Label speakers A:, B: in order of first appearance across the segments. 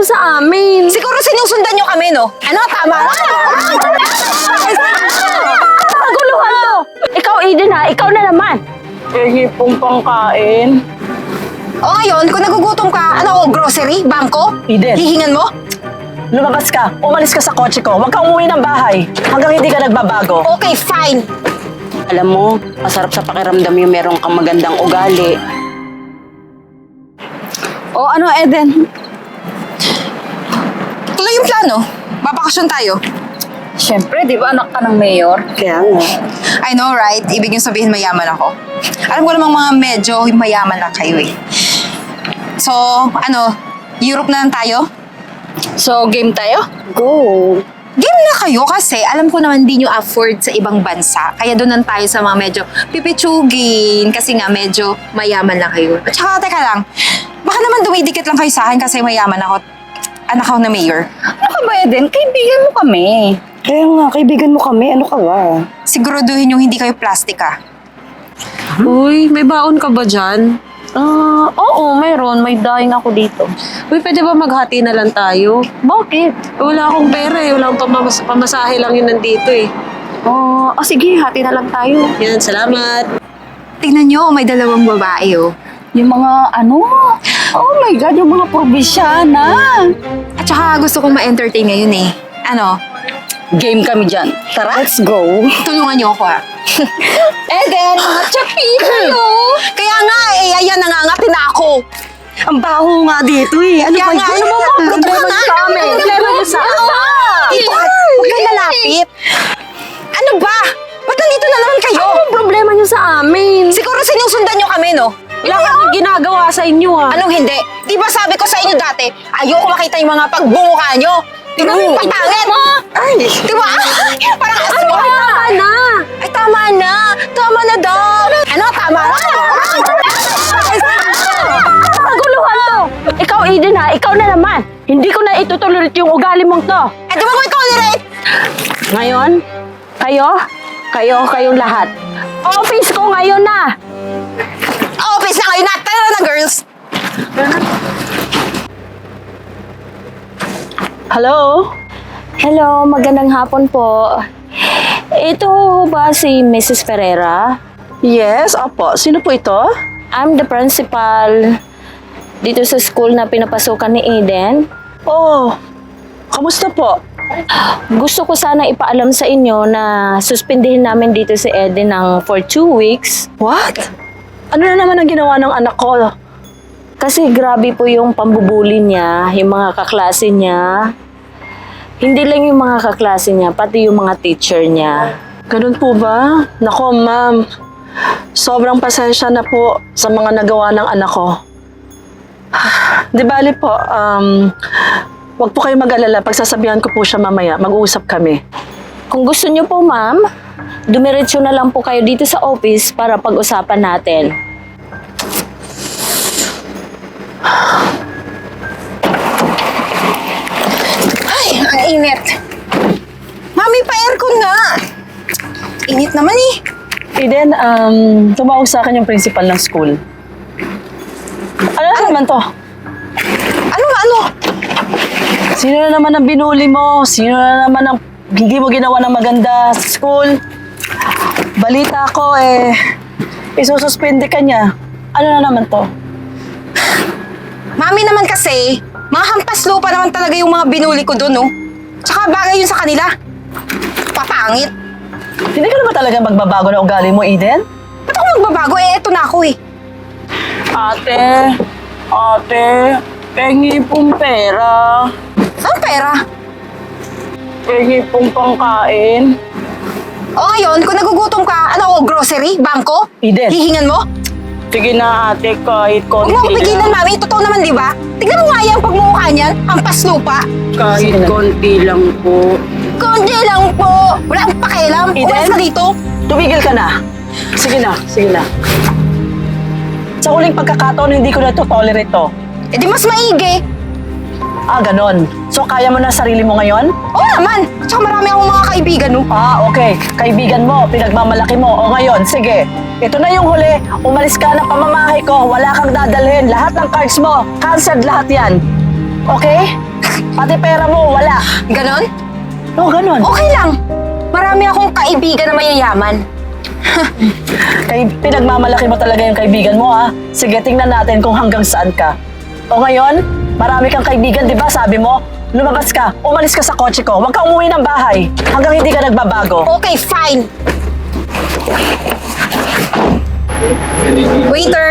A: nyo sa amin?
B: Siguro sinusundan nyo kami, no? Ano, tama na?
A: Kaguluhan to! Ikaw, Eden ha, ikaw na naman.
C: Hingi pong pangkain.
B: O ngayon, kung nagugutom ka, ano, grocery, bangko?
C: Eden.
B: Hihingan mo?
C: Lumabas ka, umalis ka sa kotse ko. Huwag kang umuwi ng bahay hanggang hindi ka nagbabago.
B: Okay, fine.
D: Alam mo, masarap sa pakiramdam yung meron kang magandang ugali.
B: O ano, Eden? Tuloy yung plano. Babakasyon tayo.
D: Siyempre, di ba anak ka ng mayor? Kaya nga.
B: I know, right? Ibig yung sabihin mayaman ako. Alam ko namang mga medyo mayaman lang kayo eh. So, ano, Europe na lang tayo?
D: So, game tayo?
C: Go!
B: Game na kayo kasi alam ko naman di nyo afford sa ibang bansa. Kaya doon lang tayo sa mga medyo pipitsugin kasi nga medyo mayaman lang kayo. At saka, teka lang, baka naman dumidikit lang kayo sa akin kasi mayaman ako. Anak ako na mayor.
D: Ano ka ba, Eden? Kaibigan mo kami.
C: Kaya nga, kaibigan mo kami. Ano ka ba?
B: Siguraduhin yung hindi kayo plastic ah.
A: Uy, may baon ka ba dyan? Oo, mayroon. May daing ako dito. Uy, pwede ba maghati na lang tayo?
D: Bakit?
A: Wala akong pera eh. Wala akong pamasahe lang yun nandito eh.
D: Sige, hati na lang tayo.
A: Yan, salamat.
B: Tingnan nyo, may dalawang babae oh.
D: Yung mga oh my God, yung mga probinsyana.
B: At saka gusto kong ma-entertain ngayon eh. Ano,
D: Game kami dyan. Tara.
C: Let's go!
B: tulungan nyo ako ah.
D: Eden, mga chapi kayo.
B: Kaya nga eh, ayan nangangatin na ako.
C: Ang baho nga dito eh. Ano
B: Kaya
C: ba
B: nga,
C: yun?
B: ano mo mga problema nyo sa amin?
A: Problema nyo sa amin?
B: Dito ka, huwag kayo lalapit. Ano ba? Ba't nandito na naman kayo?
A: Anong problema nyo sa amin?
B: Siguro sinusundan nyo kami, no?
A: Wala kang ginagawa sa inyo ha.
B: Anong hindi? Di ba sabi ko sa inyo dati, ayoko makita yung mga pagbumuka nyo. Di ba yung pagpangit? Ay! Di ba? Parang asmo.
A: Ay, tama na!
B: Ay, tama na. Tama na daw. Ano, tama na?
A: Kaguluhan to! Ikaw, Eden ha, ikaw na naman. Hindi ko na itutolerate yung ugali mong to.
B: Eh, di ba ko i-tolerate?
A: Ngayon, kayong lahat. Office ko ngayon na!
B: Office na kayo na. Tara na, girls.
C: Hello?
A: Hello, magandang hapon po. Ito ba si Mrs. Ferreira?
C: Yes, opo. Sino po ito?
A: I'm the principal dito sa school na pinapasukan ni Eden.
C: Oh, kamusta po?
A: Gusto ko sana ipaalam sa inyo na suspindihin namin dito si Eden for 2 weeks.
C: What? Ano na naman ang ginawa ng anak ko?
A: Kasi grabe po yung pambubuli niya, yung mga kaklase niya. Hindi lang yung mga kaklase niya, pati yung mga teacher niya.
C: Ganun po ba? Nako, ma'am. Sobrang pasensya na po sa mga nagawa ng anak ko. Di bali po, wag po kayo mag-alala. Pagsasabihan ko po siya mamaya. Mag-uusap kami.
A: Kung gusto niyo po, ma'am, dumiretso na lang po kayo dito sa office para pag-usapan natin.
B: Ay, ang init. Mami, pa-aircon nga. Init naman eh.
C: Eden, tumawag sa akin yung principal ng school. Ano na naman to?
B: Ano?
C: Sino na naman ang binuli mo? Sino na naman ang hindi mo ginawa ng maganda sa school? Balita ko isususpende ka niya. Ano na naman to?
B: Mami naman kasi, mga hampas lupa naman talaga yung mga binuli ko doon, no? Tsaka bagay yun sa kanila. Papangit.
C: Hindi ka na ba talaga magbabago na ugali mo, Eden?
B: Ba't ako magbabago? Eto na ako eh.
C: Ate, pengi pong pera.
B: Saan pera?
C: Pengi pong pangkain.
B: O ngayon, kung nagugutom ka, ano, grocery, bangko?
C: Eden.
B: Hihingan mo?
C: Sige na, ate, kahit
B: Huwag
C: konti
B: mo ako pigilan, Mami. Totoo naman, di ba? Tignan mo nga yung pagmumukha niyan. Hampas lupa.
D: Kahit konti lang po.
B: Konti lang po. Wala akong pakialam.
C: Eden?
B: Umalis ka dito.
C: Tumigil ka na. Sige na. Sa huling pagkakataon, hindi ko na ito tolerate to.
B: Eh di mas maigi.
C: Ganon. So, kaya mo na sarili mo ngayon?
B: Oo naman. Tsaka marami akong mga kaibigan, no?
C: Okay. Kaibigan mo, pinagmamalaki mo. O ngayon, sige. Ito na yung huli. Umalis ka ng pamamahay ko. Wala kang dadalhin. Lahat ng cards mo, cancelled lahat yan. Okay? Pati pera mo, wala.
B: Ganon?
C: Oo, ganun.
B: Okay lang. Marami akong kaibigan na mayayaman.
C: Pinagmamalaki mo talaga yung kaibigan mo, ha? Sige, tingnan natin kung hanggang saan ka. O ngayon, marami kang kaibigan, di ba? Sabi mo, lumabas ka, umalis ka sa kotse ko, huwag kang umuwi ng bahay hanggang hindi ka nagbabago.
B: Okay, fine. Waiter!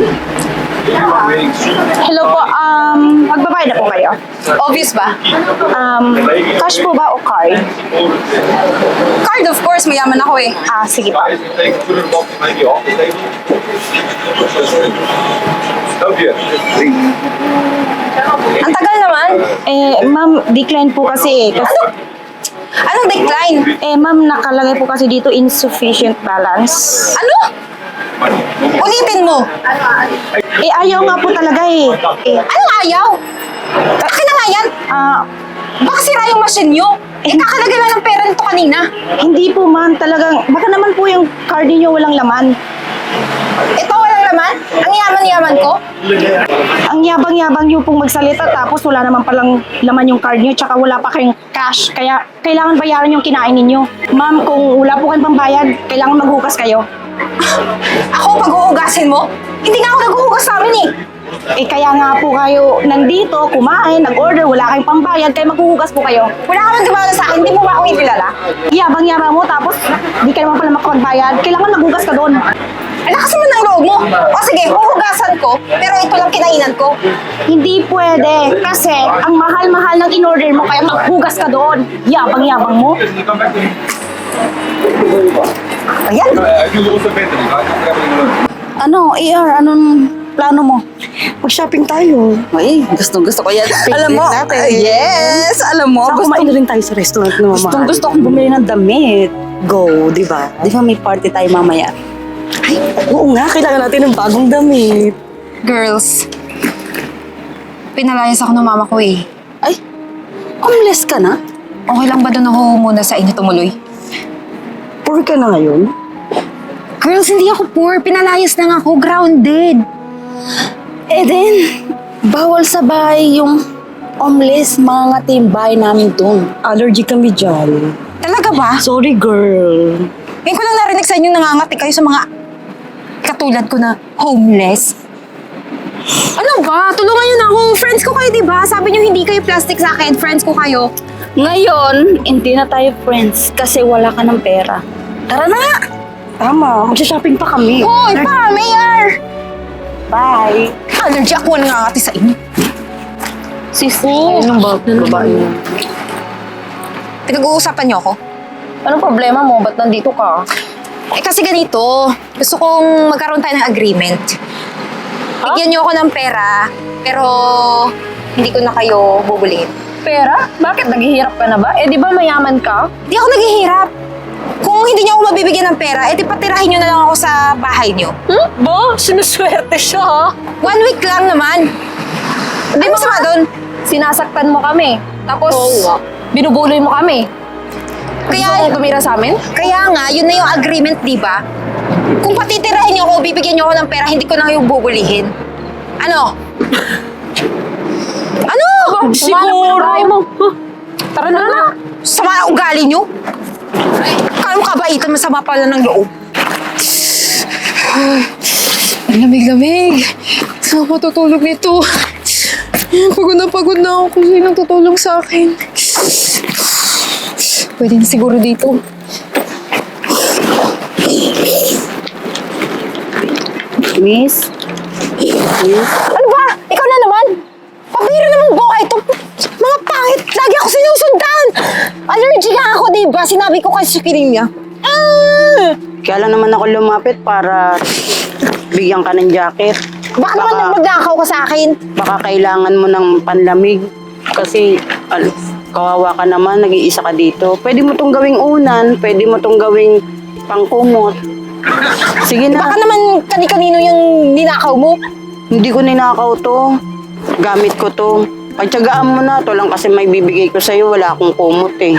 E: Hello po, magbabayad na po kayo.
B: Obvious ba?
E: Cash po ba o card?
B: Card, of course. Mayaman ako eh.
E: Sige po.
B: Ang tagal naman.
E: Ma'am, decline po kasi.
B: Anong decline?
E: Ma'am, nakalagay po kasi dito insufficient balance.
B: Ano? Ulitin mo.
E: Ayaw nga po talaga
B: Anong ayaw? Akin na nga yan. Baka sira yung machine nyo. Kakalagay lang ng pera nito kanina.
E: Hindi po ma'am, talagang, baka naman po yung card niyo walang laman.
B: Ito walang laman? Ang yaman-yaman ko?
E: Ang yabang-yabang niyo pong magsalita tapos wala naman palang laman yung card niyo tsaka wala pa kayong cash. Kaya kailangan bayaran yung kinain ninyo. Ma'am, kung wala po kayong pambayad, kailangan maghugas kayo.
B: Ako pag-uugasin mo? Hindi nga ako naghuhugas sa amin eh.
E: Kaya nga po kayo nandito, kumain, nag-order, wala kayong pambayad, kaya maghuhugas po kayo.
B: Wala ka man gumana sa akin, hindi mo ba ako ikilala?
E: Yabang-yabang mo, tapos di ka naman pala makapagbayad, kailangan maghugas ka doon.
B: Ang lakas naman ng loob mo. O sige, huhugasan ko, pero ito lang kinainan ko.
E: Hindi pwede, kasi ang mahal-mahal ng in-order mo, kaya maghugas ka doon. Yabang-yabang mo.
B: Ayan.
D: Ano, anong plano mo?
E: Mag-shopping tayo.
D: Ay, gusto ko yan. Alam mo, yes, alam mo.
E: Saka kumain na rin tayo sa restaurant na mamahal.
D: Gusto kong bumili ng damit. Go, di ba? Di ba may party tayo mamaya?
E: Ay, oo nga, kailangan natin ng bagong damit.
B: Girls, pinalayas ako ng mama ko eh.
D: Ay, homeless ka na?
B: Okay lang ba doon ako muna sa inyo tumuloy?
E: Poor ka na ngayon?
B: Girls, hindi ako poor. Pinalayas lang ako. Grounded.
D: Then, bawal sa bahay yung homeless, mga yung bahay namin doon.
E: Allergy kami dyan.
B: Talaga ba?
E: Sorry, girl.
B: Ngayon ko lang narinig sa inyo nangangati kayo sa mga katulad ko na homeless. Ano ba? Tulungan niyo na ako. Friends ko kayo, di ba? Sabi niyo hindi kayo plastic sa akin. Friends ko kayo.
D: Ngayon, hindi na tayo friends kasi wala ka ng pera. Tara na nga!
E: Tama, magsha-shopping pa kami.
B: Hoy, pa, Mayor!
E: Bye.
B: Allergy ako nangangati sa inyo.
D: Sisi,
E: Anong babae?
B: Pinag-uusapan niyo ako?
D: anong problema mo? Ba't nandito ka?
B: Kasi ganito, gusto kong magkaroon tayo ng agreement. Bigyan niyo ako ng pera, pero hindi ko na kayo bubulin.
D: Pera? Bakit? Naghihirap ka na ba? Di ba mayaman ka?
B: Di ako naghihirap. Kung hindi niyo ako mabibigyan ng pera, di patirahin niyo na lang ako sa bahay niyo.
C: Bo, sinuswerte siya, ha?
B: 1 week lang naman. Di ba sama doon?
D: Sinasaktan mo kami. Tapos, binubuloy mo kami.
B: Kaya,
D: Tumira sa amin?
B: kaya nga, yun na yung agreement, di ba? Kung patitirahin niyo ako, bibigyan niyo ako ng pera, hindi ko na kayo bubulihin. Ano? Ano?
C: Siguro.
D: Tara na.
B: Sama na ugali niyo? Kaya mo kabaitan, masama pala ng loob. Ang lamig-lamig. Saan ako matutulog nito? Pagod na ako kung sino tutulong sa akin. Pwede na siguro dito.
D: Miss?
B: Ano ba? Ikaw na naman? Pabiro naman buka ito. Mga pangit, lagi ako sinusundan. Allergy nga ako, diba? Sinabi ko kay Sukirin niya.
D: Kaya lang naman ako lumapit para bigyan ka ng jacket.
B: Baka naman magnakaw ka sa akin.
D: Baka kailangan mo ng panlamig. Kasi, kawawa ka naman, nag-iisa ka dito. Pwede mo tong gawing unan, pwede mo tong gawing pangkumot. Sige na.
B: Baka naman kani-kanino yung ninakaw mo.
D: Hindi ko ninakaw to. Gamit ko to. Pagtsagaan mo na. To lang kasi may bibigay ko sa'yo. Wala akong kumot eh.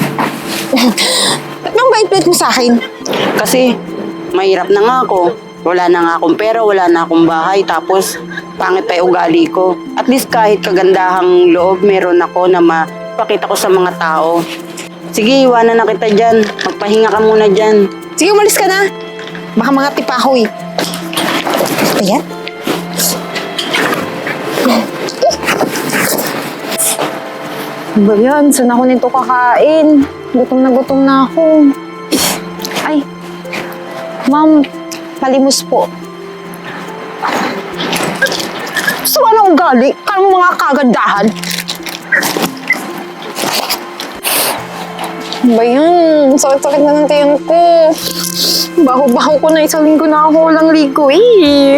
B: Ba't nang bait-bait mo sa akin?
D: Kasi mahirap na nga ako. Wala na nga akong pera, wala na akong bahay. Tapos pangit pa yung ugali ko. At least kahit kagandahang loob meron ako na mapakita ko sa mga tao. Sige, iwanan na kita dyan. Magpahinga ka muna dyan.
B: Sige, umalis ka na. Baka mga tipahoy. Ayan. Ba yan? Saan ako nito kakain? Gutom na ako. Ay, ma'am, palimos po. Gusto ka na ugali? Kaya mo mga kagandahan? Ba yan? Sakit-sakit na ng tiyan ko. Baho-baho ko na, isang linggo na ako walang ligo eh.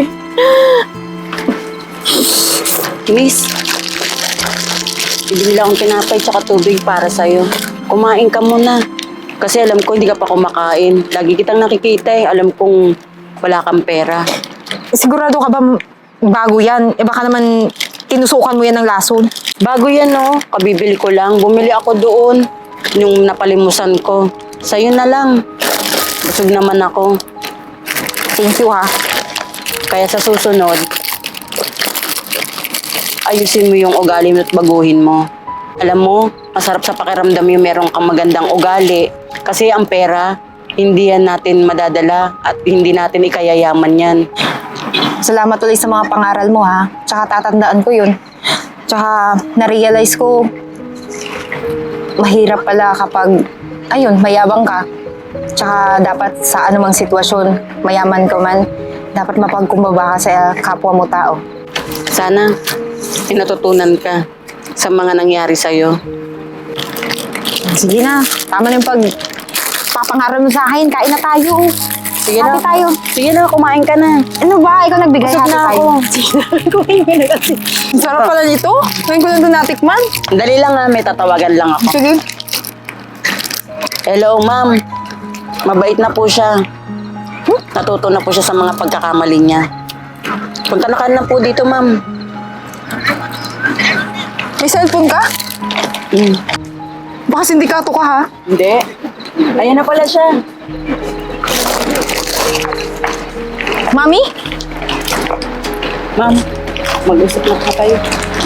D: Miss, bibili akong tinapay tsaka tubig para sa'yo. Kumain ka muna. Kasi alam ko hindi ka pa kumakain. Lagi kitang nakikita eh. Alam kong wala kang pera.
B: Sigurado ka ba bago yan? Eh baka naman tinusukan mo yan ng lason.
D: Bago yan no, kabibili ko lang. Bumili ako doon yung napalimusan ko. Sa'yo na lang. Busog naman ako.
B: Thank you ha.
D: Kaya sa susunod, ayusin mo yung ugali mo at baguhin mo. Alam mo, masarap sa pakiramdam yung meron kang magandang ugali. Kasi ang pera, hindi yan natin madadala at hindi natin ikayayaman yan.
B: Salamat ulit sa mga pangaral mo ha. Tsaka tatandaan ko yun. Tsaka na-realize ko, mahirap pala kapag, ayun, mayabang ka. Tsaka dapat sa anumang sitwasyon, mayaman ka man, dapat mapagkumbaba ka sa kapwa mo tao.
D: Sana, pinatutunan ka sa mga nangyari sa'yo.
B: Sige na, tama na yung papangaral mo sa akin. Kain na tayo.
D: Sige
B: Hati
D: na.
B: tayo.
D: Sige na, kumain ka na.
B: Ano ba? Ikaw nagbigay.
D: Busog
B: Hati
D: na
B: tayo.
D: ako.
B: Kumain mo na kasi. Ang sarap pala nito. Ngayon ko lang ito natikman.
D: Dali lang ha, may tatawagan lang ako.
B: Sige.
D: Hello, ma'am. Mabait na po siya. Natuto na po siya sa mga pagkakamali niya. Punta na ka na po dito, ma'am.
B: May cellphone ka? Baka sindikato ka ha?
D: Hindi. Ayan na pala siya.
B: Mami?
D: Ma'am, mag-usap na ka kayo.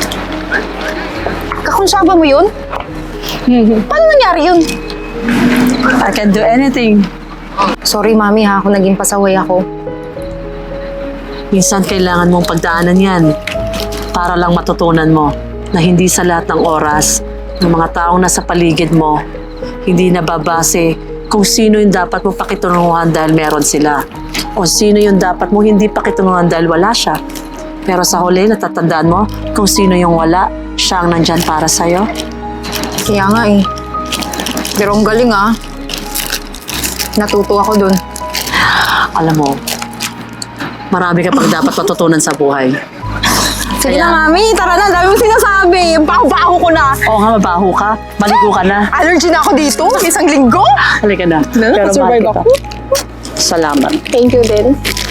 B: Kakonsyaba mo yun? Paano nangyari yun?
C: I can do anything.
B: Sorry mami ha, kung naging pasaway ako.
C: Minsan kailangan mong pagdaanan yan para lang matutunan mo na hindi sa lahat ng oras ng mga taong nasa paligid mo hindi nababase kung sino yung dapat mo pakitunungan dahil meron sila. O sino yung dapat mo hindi pakitunungan dahil wala siya. Pero sa huli, natatandaan mo kung sino yung wala, siya ang nandyan para sa'yo.
B: Kaya nga eh. Pero ang galing ah. Natuto ako dun.
C: Alam mo, marami ka pang dapat matutunan sa buhay.
B: Sige
C: Kaya-
B: na mami, tara na, dami mo sinasabi. Baho-baho ko na.
C: Oo nga, mabaho ka. Maligo ka na.
B: Allergy na ako dito, isang linggo.
C: Halika na. Pero mahal
B: survive
C: kita.
B: ako.
C: Salamat.
B: Thank you din.